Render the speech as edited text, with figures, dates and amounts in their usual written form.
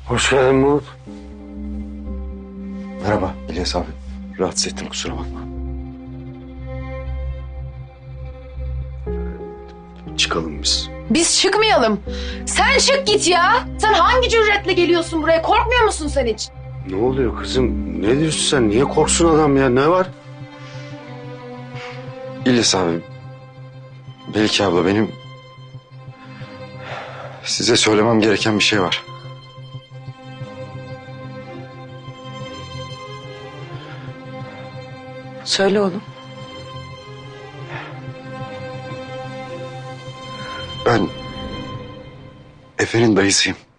Hoş geldin Mahmut. Merhaba İlyas abi. Rahatsız ettim, kusura bakma. Çıkalım biz. Biz çıkmayalım. Sen çık git ya. Sen hangi cüretle geliyorsun buraya? Korkmuyor musun sen hiç? Ne oluyor kızım? Ne diyorsun sen? Niye korksun adam ya? Ne var? İlyas abi, Melike abla, benim size söylemem gereken bir şey var. Söyle oğlum. Ben Efe'nin dayısıyım.